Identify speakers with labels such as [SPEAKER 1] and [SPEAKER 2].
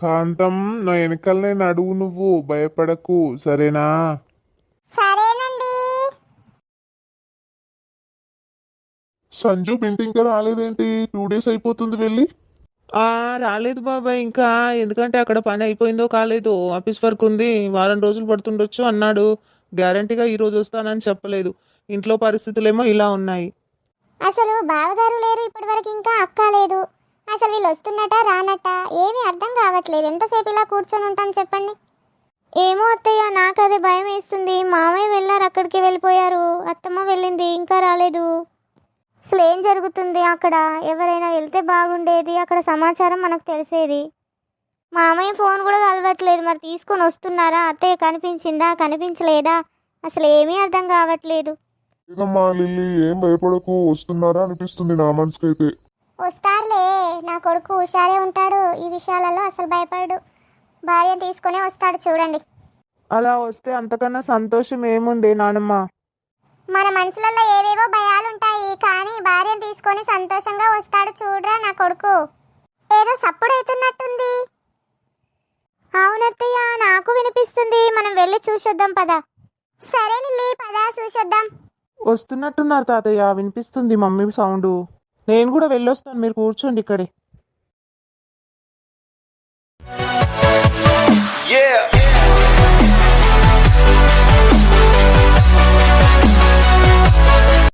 [SPEAKER 1] కాంతం, నా వెనకాలనే నడువు, నువ్వు భయపడకు, సరేనా?
[SPEAKER 2] సరేనండి.
[SPEAKER 1] సంజు బింటి ఇంకా రాలేదేంటి? 2 days అయిపోతుంది వెళ్ళి.
[SPEAKER 3] రాలేదు బాబాయ్ ఇంకా. ఎందుకంటే అక్కడ పని అయిపోయిందో కాలేదో, ఆఫీస్ వర్క్ ఉంది, వారం రోజులు పడుతుండొచ్చు అన్నాడు. గ్యారంటీగా ఈ రోజు వస్తానని చెప్పలేదు. ఇంట్లో పరిస్థితులేమో ఇలా ఉన్నాయి.
[SPEAKER 2] అసలు బావగారు లేరు ఇప్పటి వరకు, ఇంకా అక్క లేదు. అసలు వీళ్ళు వస్తున్నట రానట ఏమీ అర్థం కావట్లేదు. ఎంతసేపు ఇలా కూర్చొని ఉంటాం చెప్పండి. ఏమో అత్తయ్య, నాకు అదే భయం వేస్తుంది. మామయ్య వెళ్ళారు, అక్కడికి వెళ్ళిపోయారు. అత్తమ్మ వెళ్ళింది, ఇంకా రాలేదు. అసలు ఏం జరుగుతుంది అక్కడ? ఎవరైనా వెళ్తే బాగుండేది, అక్కడ సమాచారం మనకు తెలిసేది. మామయ్య ఫోన్ కూడా కలవట్లేదు. మరి తీసుకొని వస్తున్నారా? అత్తయ్య కనిపించిందా, కనిపించలేదా? అసలు ఏమీ అర్థం కావట్లేదు.
[SPEAKER 1] లేదమ్మా లిల్లీ, ఏం భయపడకు, వస్తున్నారా అనిపిస్తుంది నా మనసుకైతే.
[SPEAKER 2] వస్తారులే, నా కొడుకు హుషారే ఉంటాడు, ఈ విషయాలలో అసలు భయపడు. భార్య తీసుకునే వస్తాడు చూడండి.
[SPEAKER 3] అలా వస్తే అంతకన్నా సంతోషం ఏముంది నానమ్మ.
[SPEAKER 2] మన మనసులలో ఏవేవో భయాలుంటాయి, కానీ భార్యను తీసుకొని సంతోషంగా వస్తాడు చూడరా నా కొడుకు. ఏదో సప్పుడు అవుతున్నట్టుంది. అవునత్తయ్య, నాకు వినిపిస్తుంది. మనం వెళ్ళి చూసొద్దాం పదా. సరే లిల్లీ, పదా చూసొద్దాం.
[SPEAKER 3] వస్తున్నట్టున్నారు తాతయ్య, వినిపిస్తుంది మమ్మీ సౌండ్. నేను కూడా వెళ్ళొస్తాను, మీరు కూర్చోండి ఇక్కడే.